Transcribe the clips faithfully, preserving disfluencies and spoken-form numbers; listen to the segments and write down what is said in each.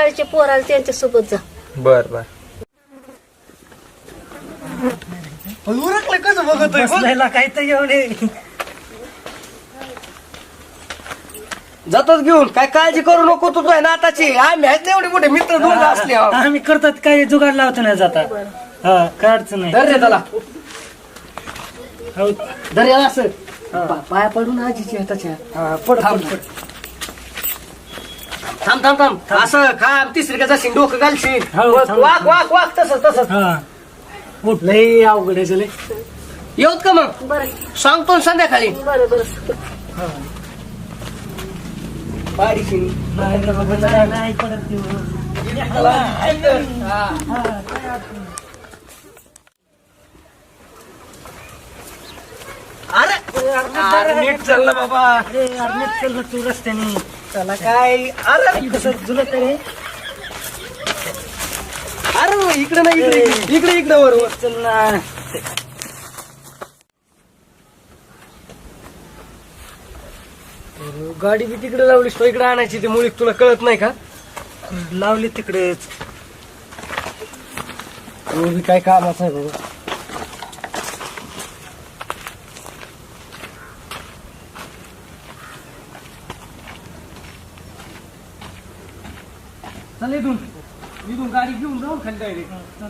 शाळेचे पोर आले त्यांच्या सोबत जा. बर बर. उरकलं कसं बघतोय बसलेला काही तर येऊन जातोच घेऊन. काय काळजी करू नको तू तुझ्या नाताची. आम्ही आहेत ना एवढे मोठे मित्र दोघं असले. आम्ही करतात काही जुगाड लावतो नाही जाता. हा काय अडचण नाही. धर रे त्याला. हो. धर याला असं पा- पाया पडून आजीची हाताच्या. हा, पड थांब पड, पड. थांब थांब थांब असं खा तिसरी का जाशील डोकं घालशील. हो, वाक थांब. वाक वाक वाक तसंच तसंच. हा उठ लई अवघड आहे लई. येऊत का मग बरं सांगतो ना संध्याकाळी. बरं बरं. बारीशी नाही रे बाबा, नाही नाही पडत ते. अरे अरे, नीट चाललं बाबा. अरे यार, नीट चल ना तू रस्त्याने. त्याला काय अरे कसं जुलत रे. अरे इकडे नाही इकडे इकडे इकडे वर वर. चल ना. गाडी बी तिकडे लावलीस तो इकडे आणायची. ते मुळीक तुला कळत नाही का. लावली तिकडेच. तो बी काय कामाचं आहे बाबा. चल इथून इथून गाडी घेऊन जाऊ खाली डायरेक्ट.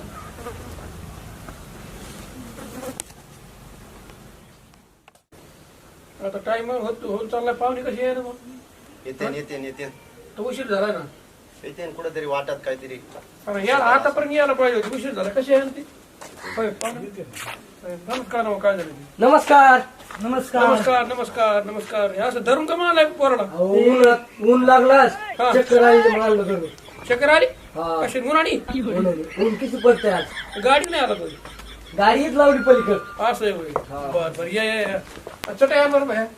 आता टाइम होत होत चाललाय. पाहुणे कशी आहे ना मग? येते येते येते तो उशीर झाला ना. येते कुठेतरी वाटत काहीतरी. अरे याला आतापर्यंत यायला पाहिजे होती. उशीर झाला. कशी आहे ना ती? होय, पाहुणे येते. नमस्कार मग काय झालं ते? नमस्कार. नमस्कार. नमस्कार नमस्कार नमस्कार. हे असं धरून का म्हणालाय पोराला? अहो, ऊन ऊन लागलास हा. चक्कर आली म्हणाल करू. चक्कर आली? हा. कशी गुणाणी? ऊन ऊन किती पडते आज. गाडी नाही आला तुझी. गाडीच लावली पलीकड. असं आहे होय. बर बर या या या. चटा या बरोबर आहे.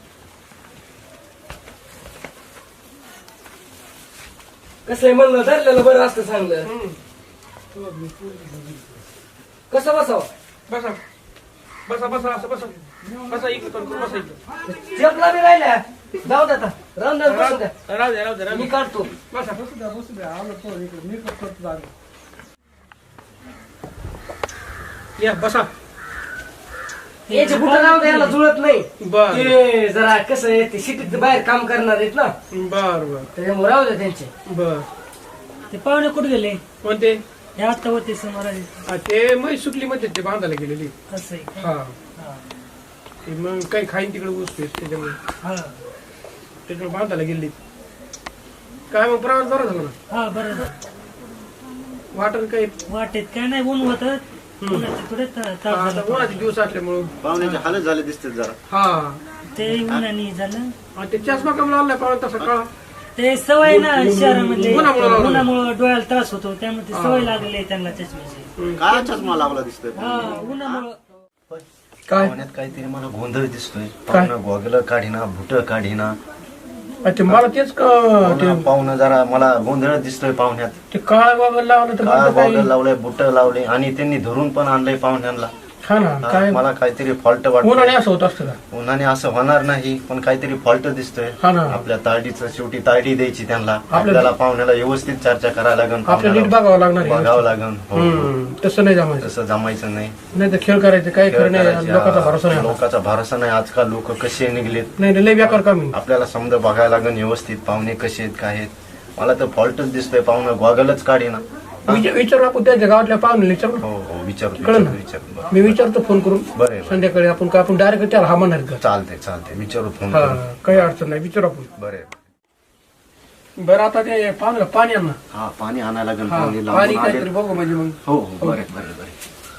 कसं आहे म्हणलं धरलेलं बरं असतं चांगलं. हम्म. कसं बसावं. बसा बसा बसा असं बसा बसा इकडे तोंड करून बसा इकडे. चपला बी राहिल्या. जाऊ द्या आता राहून द्या बसून द्या. राहू द्या राहू द्या राहू मी द्या. काढतो. बसा बसू द्या बसू द्या. आलो तो इकडे मी करतो जागा. या बसा. याचे बुट राहू द्या याला जुळत नाही. बर ते जरा कसं आहे ते सिटीत बाहेर काम करणार आहेत ना बर बर त्याच्यामुळे राहू द्या त्यांचे. बर. ते पाहुणे कुठे गेले. कोणते? हे आता होते समोर आले. हा, ते मग सुकली मध्ये ते बांधायला गेलेली. असं आहे का? हा हा. ते मग काही खाईन तिकडे उसते त्याच्यामुळे हा. त्याच्यामुळे बांधायला गेली. काय मग प्रवास बरा झाला ना? हा बरं. वाटत काही वाटेत काय नाही ऊन होत. थोडे ताप आता झाला. उन्हाचे दिवस असल्यामुळं पाहुण्याचे हालत झाले दिसते जरा. हा. ते उन्हाने झालं. आणि ते चष्मा कमी लावलाय पाहून तसा काळा. ते सवय ना शहरामध्ये उन्हामुळं लागलं. उन्हामुळे डोळ्याला त्रास होतो त्यामुळे ते सवय लागलेली आहे त्यांना चष्म्याची. काय चष्मा लागला दिसतोय. हा उन्हामुळं. काय पाहुण्यात काहीतरी मला गोंधळ दिसतोय. पाहुणा गोगल काढीना भुट काढीना. ते मला तेच का पाहुणा पाहुणा जरा मला गोंधळ दिसतोय पाहुण्यात. ते काळा गॉगल लावलं तर काय म्हणलं गॉगल काय? लावलंय बुट लावले आणि त्यांनी धरून पण आणलंय पाहुण्यांना. हा ना हा, काय मला काहीतरी फॉल्ट उन्हाने वाटत. असं होत असतं का? उन्हाने असं होणार नाही पण काहीतरी फॉल्ट दिसतोय. हा ना. आपल्या तारडीचं शेवटी तारडी द्यायची त्यांना. आपल्या- आपल्याला पाहुण्याला व्यवस्थित चर्चा करायला लागेल. आपल्याला नीट पाहुण्याला बघावं लागणार आहे. बघावं लागेल. हो, हो. हम्म, तसं नाही जमायचं. तसं जमायचं नाही. नाही तर खेळ करायचे काही खेळ खरं नाही. करायचे. लोकांचा भरोसा नाही. लोकांचा भरोसा नाही. आजकाल लोक कसे निघलेत. नाही नाही, लय बेकार काम आहे. आपल्याला समजा बघायला लागेल व्यवस्थित पाहुणे कसे आहेत काय आहेत. मला तर फॉल्टच दिसतोय. पाहुणं गॉगलच काढेना. विचार- विचारू आपण त्यांच्या गावातल्या पाहुणे विचारू ना. हो हो विचारतो कळलं ना? विचारतो विचार. मी विचारतो फोन करून बरं आहे, बरं. संध्याकाळी. आपण का आपण डायरेक्ट त्याला हा म्हणणार का? चालते चालते विचारू फोन हा करून. काही अडचण नाही. विचारू आपण. बरे. बरं आता ते पाहुणे पाणी आण ना. हा पाणी आणायला लागेल. हा, पाहुणे पाणी लांबून काहीतरी आले. बघू म्हणजे मग. हो हो बरे बरे बरे.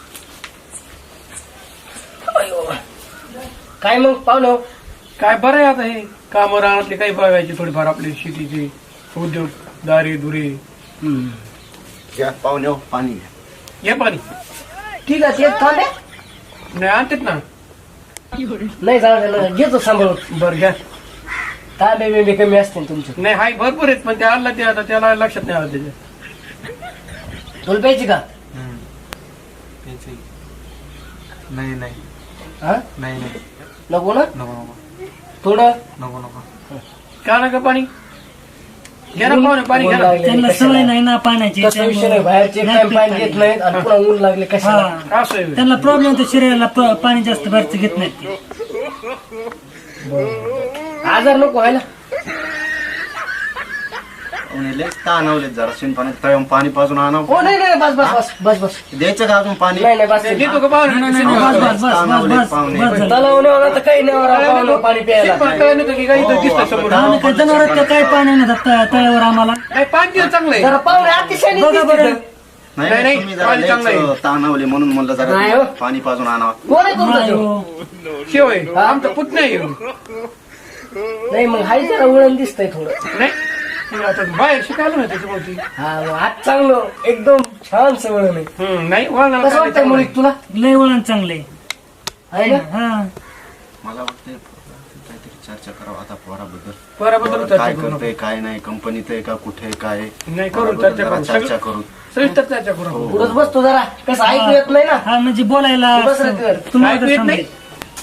काय मग पाहुणं. काय बरं आहे आता हे काम राहण्यातले काही बघायचे थोडीफार आपले शेतीचे उद्योग दारी दुरी. घ्या पाहुणे हो, पाणी घ्या. घ्या पाणी. ठीक आहे ते थांबे. नाही आणतात ना. नाही जाऊ घेतो सांभाळून. बरं घ्या. तांबे बिंबे कमी असतील तुमचे. नाही हाय भरपूर आहेत पण ते आला ते आता त्याला लक्षात नाही आलं त्याच्या. तुला प्यायची का. नाही नाही हा नाही नाही नको ना. नको नको थोडं नको नको. का नका पाणी? घ्या ना पाहुणे पाणी घ्या ऊन ना. लागले त्यांना कशाला? सवय नाही ना पाण्याची तसं विषय नाही, त्यामुळं बाहेरचे एक नाही टाइम पीत पाणी पाणी. घेत नाहीत आणि पुन्हा ऊन लागले कशाला? हा. असं आहे. त्यांना प्रॉब्लेम होतो शरीराला प- पाणी जास्त बाहेरचं घेत नाहीत ते. आजार नको व्हायला. पाहुणे लय ताणवलेत जरा शिंपाण्यात तळून पाणी पाजून आणावं. हो नाही नाही बस बस बस बस बस द्यायचं का अजून पाणी? नाही नाही बस देतो का पाहुणे? नाही, नाही, नाही, बस, बस, बस, बस, बस, पाहुणे. बस झालं. तलाव नाही होणार तर काही नाही होणार पाहुणं पाणी प्यायला. शिंपा कळलं नाही तर की काही इथं दिसतंय समोर. आम्ही काय जनावरात का काय पाणी नाही जात त- तळ्यावर आम्हाला नाही पाणी दिलं चांगलं आहे. जरा पाहुणे अतिशय बघा बरं. नाही नाही, नाही, तुम्ही जरा पाणी चांगलं आहे. लयच ताणवले म्हणून म्हणलं नाही जरा हो. पाणी पाजून आणावं. कोण आहे तुमचा नाही तो? हो. शिव आहे आमचा पुतण्या आहे ह्यो. नाही मग हाय जरा वळण दिसतंय थोडं. नाही मग आता बाहेर शिकायला नाही त्याच्यामुळे हा मग आज चांगलं एकदम छान वळण आहे. हम्म, नाही वळणाला कसं काय वाटतंय चांगलं मुळीत आहे. तुला? लय वळण चांगले आहे ना? हा मला वाटतंय काहीतरी चर्चा करावं आता पोराबद्दल. पोराबद्दल चर्चा काय करू करतोय काय नाही, कंपनीत आहे का कुठे आहे, काय आहे? नाही करू पोराबद्दल चर्चा जरा करू चर्चा सगळं- करू. सविस्तर चर्चा करू आपण. पुढंच बसतो जरा कसं ऐकू येत नाही ना. हा म्हणजे बोलायला तू बस रे कर. तुम्हाला ऐकू तर येत समजेल. नाही?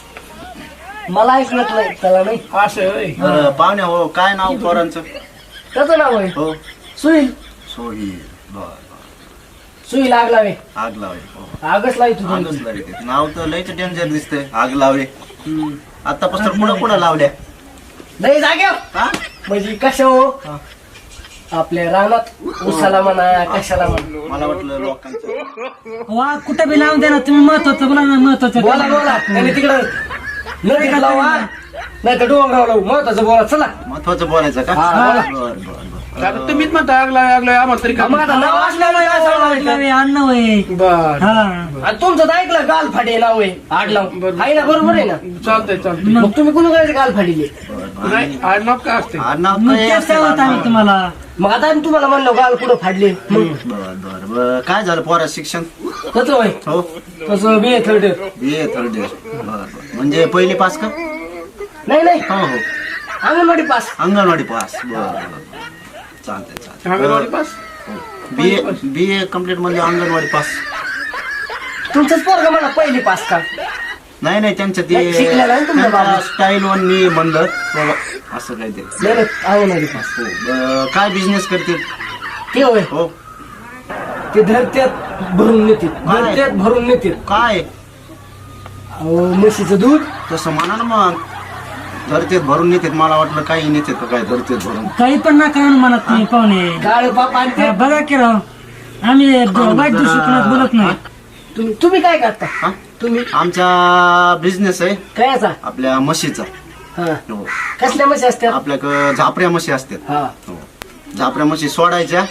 मला ऐकू येत नाही त्याला नाही. असं होय. बरं, पाहुण्या हो काय नाव पोरांचं? त्याचं नाव आहे हो सुई. सोही. बर बर. सुई लाग लावे. आग लावे. हो. आगच लावी तुझी. आगच लावे ते. नाव तर लयच डेंजर दिसतंय. आग लावे. आतापासून पुढं पुढं लावल्या नाही जाग्या हा? म्हणजे कशा हो आपल्या रानात उसाला म्हणा कशाला म्हणा. मला वाटलं लोकांचं. वा कुठं बी लावून द्या ना तुम्ही महत्वाचं बोला ना महत्वाचं बोला बोला त्यांनी तिकडं नदीत लावा नाही तर डोंगरावर लावू महत्वाचं बोला चला. महत्वाचं बोलायचं का? हा, बोला. बर बर बर. आता तुम्हीच म्हणता आग लावे आग लावे आम्हाला तरी मग आता नाव असल्यामुळे काय सांगायचं? अन्न होय बर हा आणि तुमचं तर ऐकलं गाल फाटे नाव आहे आडलाव आहे ना बरोबर आहे ना. चालतंय चालतंय मग तुम्ही कुणी करायचं गाल फाडीले? नाही आडनाव काय असते आडनाव मग काय तेच असेल सांगत आम्ही आडनाव? तुम्हाला मग आता आम्ही तुम्हाला म्हणलो गाल कुठं फाडले मग बर बर बर. काय झालं पोरा शिक्षण? कसं होय हो तसं B third B A third year. बर बर. म्हणजे पहिली पास का? नाही नाही हो हो. अंगणवाडी पास. अंगणवाडी पास. बर बर. चालतंय अंगणवाडी चालतंय. Pass. B A B A complete म्हणजे अंगणवाडी पास. तुमचंच पोरग मला पहिली पास का? नाही नाही त्यांच्या नाही, शिकलेला आहे तुमचा बाबा. स्टाईल वन मी म्हणलं बाबा, असं काय ते. नाही नाही, अंगणवाडी पास. हो. ब- काय बिझनेस करते? ते होय हो. ते धरत्यात भरून नेते धरत्यात भरून नेते काय म्हशीचं दूध. तसं म्हणा ना मग. धरतेत भरून नेतात. मला वाटलं काही नेतात का काय धरतेत भरून. काही पण नका म्हणून म्हणत तुम्ही पाहुणे काळ पाप आणि ते. हा, बघा की राव आम्ही वाईट दृष्टिकोनात बोलत नाही तुम्ही तुम्ही काय करता हा? तुम्ही आमचा बिझनेस आहे काय असा आपल्या म्हशीचा. हा हो. कसल्या म्हशी असत्या? आपल्याकडं झापऱ्या म्हशी असतात. हा हो. झापऱ्या म्हशी सोडायच्या,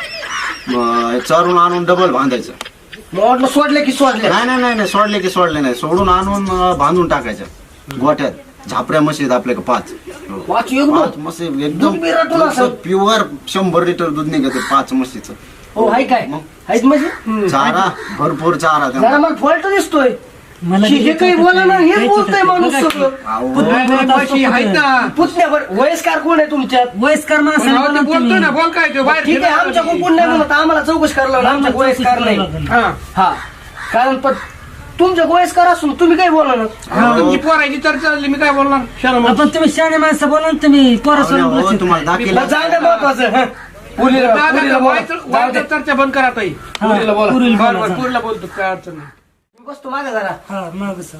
मग चरून आणून डबल बांधायचं. मग वाटलं सोडले की सोडले. नाही नाही नाही नाही, सोडले की सोडले नाही, सोडून आणून अं, बांधून टाकायच्या गोठ्यात. झापऱ्या म्हशी आहेत आपल्याकडे पाच. हो. वाच एकदम पाच म्हशी दूध बी रटून असं. एकदम प्युअर शंभर लिटर दूध निघते पाच म्हशीचं. हो हाय काय मग? आहेत म्हशी. चारा भरपूर चारा जरा त्यांना. मला फॉल्ट दिसतोय. मला हे काही बोला ना हेच बोलतोय माणूस सगळं. अहो, नाही, नाही, म्हशी आहेत ना. पुतण्यावर वयस्कार कोण आहे तुमच्यात? वयस्कर पण माणसाला अहो, बोला ते तुम्ही. बोलतोय ना बोल काय ते बाहेर ठीक आहे आमच्या फिरायला कुठून नाही म्हणत आम्हाला चौकशी करायला लावलं. आमच्या वयस्कार नाही. हा हा कारण पण तुमच्या वयस्कर असून तुम्ही काही बोला ना. हा, तुमची पोरायची चर्चा झाली मी काय बोलणार शरम आपण तुम्ही शाणे माणसं बोला ना तुम्ही पोरासोबत हो, बोलत तुम्हाला दाखिला बरं, जाऊ दे महत्वाचं. हं. पुरीला पुरीला बोला. जाऊ दे. चर्चा बंद करा ताई हा, पुरीला बोला. पुरीला बरं बोला, बरं जा. पुरीला बोलतो काय अडचण नाही. मी बसतो मागे जरा. हा माग सर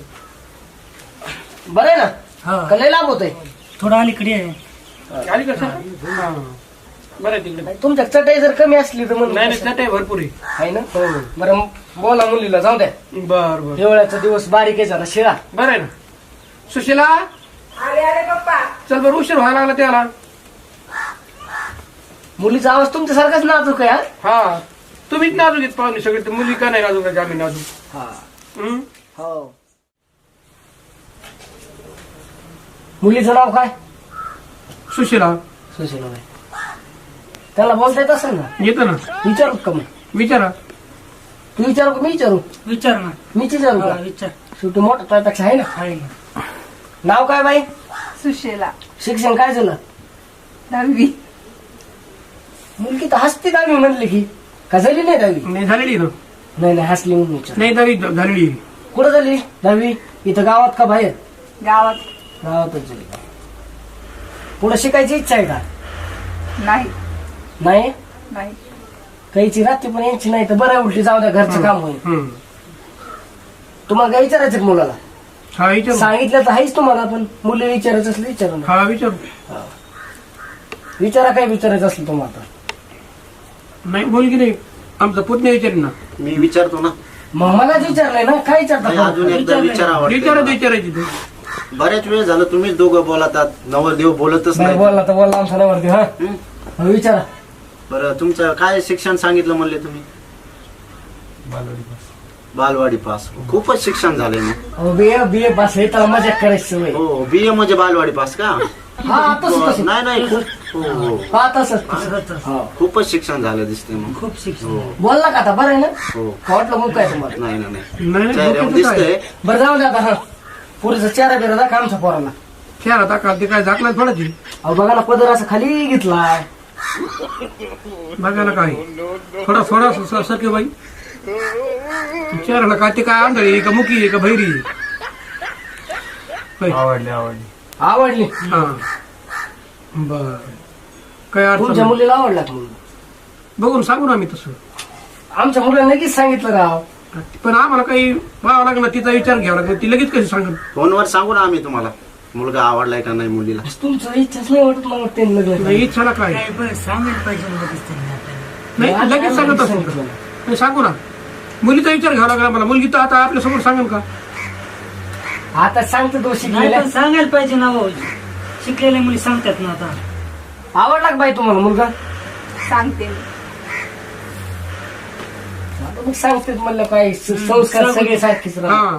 बरं आहे ना हा का लय लाभ होतोय? थोडं अलीकडे आहे. आली कसं हा. बरं आहे तिकडे नाही, तुमच्या चटई जर कमी असली तर म्हणून नाही नाही चटई भरपूर आहे. आहे ना बरं बोला मुलीला जाऊ द्या. बर बर हिवाळ्याचा दिवस बारीक आहे जरा शिळा. बरं आहे ना सुशीला चल बरं उशीर व्हायला लागला त्याला. मुलीचा आवाज तुमच्यासारखाच नाजूक आहे. हा? हा तुम्हीच नाजूक येत पाहुणे सगळे तर मुली का नाही नाजूक आहे आम्ही नाजूक. हा हं? हो मुलीचं नाव काय? सुशीला सुशीलाबाई. त्याला बोलता येत असेल ना? येतं ना विचारू का मग? विचारा. तू विचारू का मी विचारू? विचार ना मीच विचारू हा, का? विचार शेवटी मोठा त्यापेक्षा आहे ना. आहे ना. नाव काय बाई? सुशेला शिक्षण काय झालं? दहावी. मुलगी तर हसती दहावी म्हणली की का झाली नाही दहावी? नाही झालेली ना नाही नाही हसली म्हणून विचार. नाही दहावी झालेली. कुठं झाली दहावी? इथं गावात का बाहेर? गावात गावातच झाली. पुढे शिकायची इच्छा आहे का? नाही. नाही नाही. काहीची रात्री पण यांची नाही तर बरं उलटी जाऊ द्या घरचं काम होईल. हम्म. तुम्हाला काय विचारायचं का मुलाला? हा विचार सांगितलं तर आहेच तुम्हाला, पण मुली विचारायचं असलं विचारा ना. हा विचार विचारा काय विचारायचं असलं तुम्हाला. नाही मुलगी नाही, आमचा पुतण्या विचार ना. मी विचारतो ना. मग मलाच विचारलंय ना, काय नाही, अजून विचारता? एकदा विचारत विचारावं. विचारायची तू. बऱ्याच वेळ झालं तुम्हीच दोघं बोलतात, नवरदेव बोलतच बरं नाही. बोलला तर बोलला आमचा नवरदेव. हा हं? मग विचारा. बरं तुमचं काय शिक्षण सांगितलं म्हणले तुम्ही? बालवाडी पास. खूपच शिक्षण झालंय मग. बी ए बी ए पास हे त्याला मजा करायची सवय. हो बी ए म्हणजे बालवाडी पास का? हा तसं तसं. नाही नाही खूप हो हो हा तसंच. हा. खूपच शिक्षण झालं दिसते मग. खूप शिक्षण. हो बोलला का आता? बरं आहे ना? हो का वाटलं मग काय तुम्हाला? नाही ना नाही नाही नाही चेहऱ्यावर डोक्याचं काय? दिसतंय. बरं जाऊ द्या आता. हा पुरीचा चेहरा बिरा दाखवा आमच्या पोराला. खेळ आता का ते काय झाकला पडायची अहो बघा ना, पदर असं खाली घेतलाय. बघायला काय थोडा थोडा सके बाई चेहऱ्याला काय ते काय आंधळी आहे का मुकी आहे का भैरी आहे? होय. आवडली आवडली. आवडली. हा बर काय अडचण तुमच्या नाही. मुलीला आवडला का म्हणून? बघून सांगू ना आम्ही तसं. आमच्या मुलाला लगेच सांगितलं राव. पण आम्हाला काही पाहावं लागलं, तिचा विचार घ्यावा लागला. ती लगेच कशी सांगेल? फोनवर सांगू ना आम्ही तुम्हाला मुलगा आवडलाय का नाही मुलीला. तुमचं इच्छाच नाही वाटत मला ते लग्न. नाही इच्छाला काय काय बरं सांगायला पाहिजे ना लगेच त्यांनी आपल्याला. नाही लगेच सांगत असं नाही सांगू ना. मुलीचा विचार घ्यावा लागला मला. मुलगी तर आता आपल्या समोर सांगेल का? आता सांगतो तो नाही शिकलेला. पण सांगायला पाहिजे ना हो. शिकलेल्या मुली सांगतात ना आता. आवडला का बाई तुम्हाला मुलगा? सांगते मी. आता मग सांगते म्हणलं काय स- संस्कार सगळे सारखेच राहतात. हा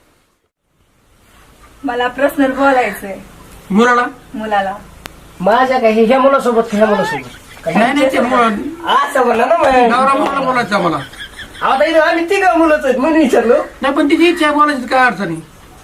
मला पर्सनल बोलायचंय मुलाला मुलाला. माझ्या काय ह्या मुलासोबत का ह्या मुलासोबत? नाही नाही ते मुला- असं म्हणलं ना मग. नवरा मुलाला बोलायचं आम्हाला. आता इथं आम्ही तिघं मुलंच आहेत म्हणून विचारलो. नाही पण तिची इच्छा आहे बोलायची, काय अडचणी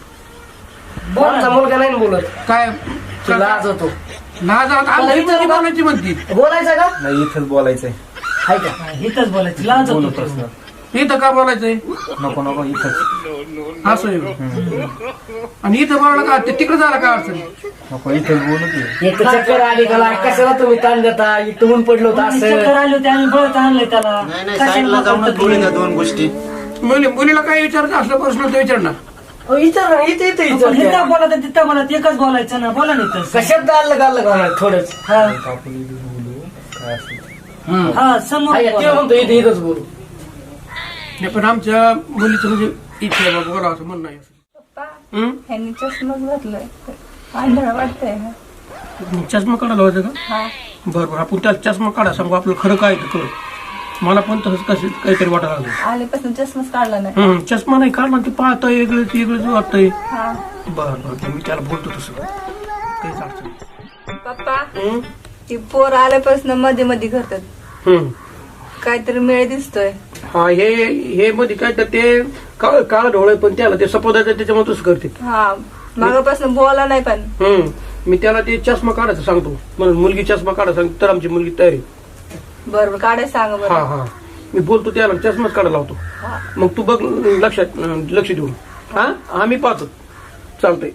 आमचा मुलगा नाही ना बोलत. काय तो लाज होतो. लाज आता आमची मुलगी बोलायची म्हणती. बोलायचा का? नाही इथंच बोलायचंय. हाय का? हिथंच बोलायचं. लाज बोलू होतो प्रश्न. इथं का बोलायचंय नको नको इथंच. असं आहे. आणि इथं बोलायला का ते तिकडे जायला काय अडचणी? नको इथंच बोलू की. एक चक्कर आली का लाय, कशाला तुम्ही ताण देता? इथं ऊन पडलं होतं चक्कर असं. आली होती, आम्ही बळत आणलंय त्याला. नाही नाही साईडला जाऊनच बोलू द्या दोन गोष्टी. मुली मुलीला काय विचारायचं असलं प्रश्न ते विचार ना. अहो, विचार ना, इथे इथे आपण विचार. हिथं बोला तर तिथं बोला, एकच बोलायचं ना. बोला नाही तर. कशात आलं गालं का थोडंच. हा आपण इथं बोलू काय असेल ते. हा समोर हाय का? ते बोला. म्हणतो इथे इथंच बोलू. नाही पण आमच्या मुलीचं म्हणजे इच्छा आहे बाबा बोलावं असं म्हणणं आहे. पप्पा हं? ह्यांनी चष्माच घातलाय. आंधळा वाटतंय ना. चष्मा काढायला होतं का? हा बरं बरं आपण त्याला चष्मा काढा सांगू आपलं खरं काय ते करू. मला पण तसंच कसं काहीतरी वाटायला लागलं. आल्यापासून चष्माच काढला नाही. हं, चष्मा नाही काढला ते पाहतंय वेगळंच वेगळंच वाटतंय. हा बरं बरं ते मी त्याला बोलतो तसं काहीच अडचण नाही. पप्पा हं? ती पोर आल्यापासून मध्ये मध्ये करतात. हं. काहीतरी मेळ दिसतोय. हा हे हे मध्ये काय तर ते काळ काळ ढोळ पण त्याला ते सपोदाचं त्याच्यामुळे तसं करते. हा मागापासून बोला नाही पण. हं. मी त्याला ते चष्मा काढायचं सांगतो. म्हणून मुलगी चष्मा काढा सांगतो तर आमची मुलगी तयारी. बरोबर काढायला सांगा हा बरं. हा मी बोलतो त्याला चष्माच काढायला लावतो. हा. मग तू बघ लक्षात लक्ष देऊन. हा आम्ही पाहतो चालतंय.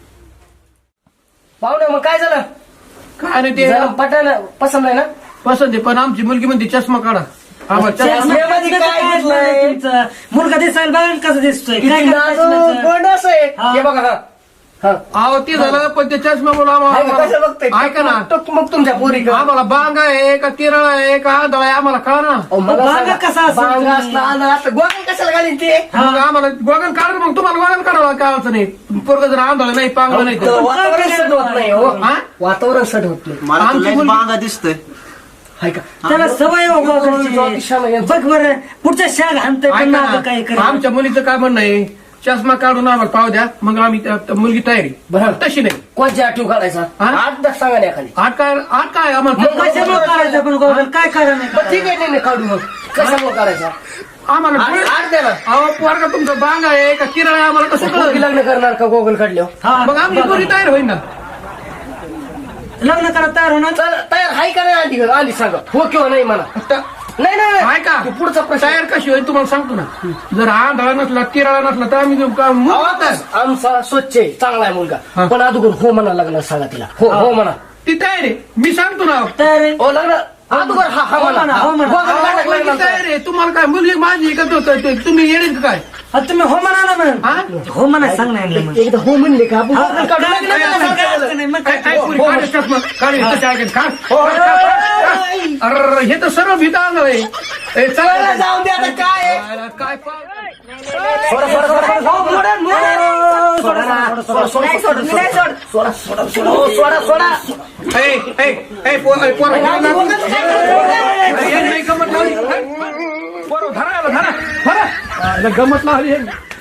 पाहुणे मग काय झालं? काय नाही ते जरा पटायला पसंत आहे ना? पसंत आहे पण आमची मुलगी म्हणते चष्मा काढा. आम्हाला चष्मा चष्म्यामध्ये काय काय दिसलंय? तुमचं? मुलगा दिसायला बघा ना कसं दिसतोय. किती काय नाजूक करायचं? गोंड असं आहे. हा. हे बघा हा. हा. अहो ते झालं पण ते चष्म्यामुळे हाय का? कसं बघतोय? आम्हाला ऐका ना टक मग तुमच्या पोरी का? आम्हाला बांग आहे का तिरळ आहे का आंधळा आहे आम्हाला कळा ना. अहो, मला बांगा सांगा, कसा असेल बांगा तुम्ही? असला आंधळा असला गोगल कशाला घालीन ते? मग आम्हाला गोगल काढा मग तुम्हाला गोगल काढावं काय अडचण नाही. पोरग जर आंधळ नाही पांगळ नाही तर तर. वातावरण सट होत नाही हो. हा? वातावरण सट होत नाही. मला आमची तुला मुलगी- बांगा दिसतंय. हाय का? त्याला सवय हो गोगलची गोगलची. ज्योतिषाला यांचं- बघ बरं पुढच्या शाग हाणतोय पण ऐका मागं काय ना, करेल. आमच्या मुलीचं काय म्हणणं आहे चष्मा काढून आम्हाला पाव द्या मग आम्ही त्या- त्या मुलगी तयारी. बरं. तशी नाही कोणच्या आठव काढायचा? हा? आठ दस सांगा ना एखादी. आठ काय आठ काय मग आम्हाला कशामुळे काढायचं पण गोगल काय करा नाही. बरं, ठीक आहे नाही नाही, काढू मग. कशामुळे काढायचा? आम्हाला आठ डोळे- आठ द्या ना. अहो पोरगा तुमचं बांग आहे का किराणा आहे आम्हाला कसं पोरगी कळलं? लग्न करणार का गोगल काढल्यावर? हा. मग आमची पोरी तयार होईल ना. लग्न करा तयार होणार. चल तयार हाय का नाही आधी आधी सांगा हो किंवा नाही मला. आता नाही नाही नाही. आहे का तो पुढचा प्रश्न. तयार कशी होईल तुम्हाला सांगतो ना. जर आंधळा नसला तिराळा नसला तर आम्ही का- मुलं आवाज आमचा स्वच्छ आहे चांगला आहे मुलगा हा. पण अगोदर हो म्हणा लग्न सांगा तिला हो हो म्हणा. ती तयार आहे मी सांगतो ना. तयार आहे. हो लग्न अगोदर हा हा म्हणा हो म्हणा. गोगल गाठक अहो, लागला काय रे तुम्हाला काय मुलगी माझी का तो- तो- तो- तुम्ही येडेत का काय हा, तुम्ही हो म्हणा ना मग हा? हो म्हणा सांग नाही मग एकदा हो म्हणले का आपण गोगल काढून काय- लागलं ना, काय- काय सारखं. अडचण नाही, मग काय काय काय पुरी काढ चष्मा काढ इथं चाय काढ. अरे हे तर सर्व भीता आलं आहे. ए, चला चला, जाऊन दे आता काय आहे? काय काय पा- सोडा, सोडा, सोडा, सोडा. हो, मोडा, मोडा. सोडा ना. सोडा, सोडा, नाही सोड, मी नाही सोड. सोडा, सोडा, सोडा. हो, सोडा, सोडा. ए, ए, ए, पो- ए, पोरं, राहू दे, गोगल काय करतो? ए, ए, नाही गमत लावली. पोरं, धरा याला, धरा धरा. आ, गमत लावली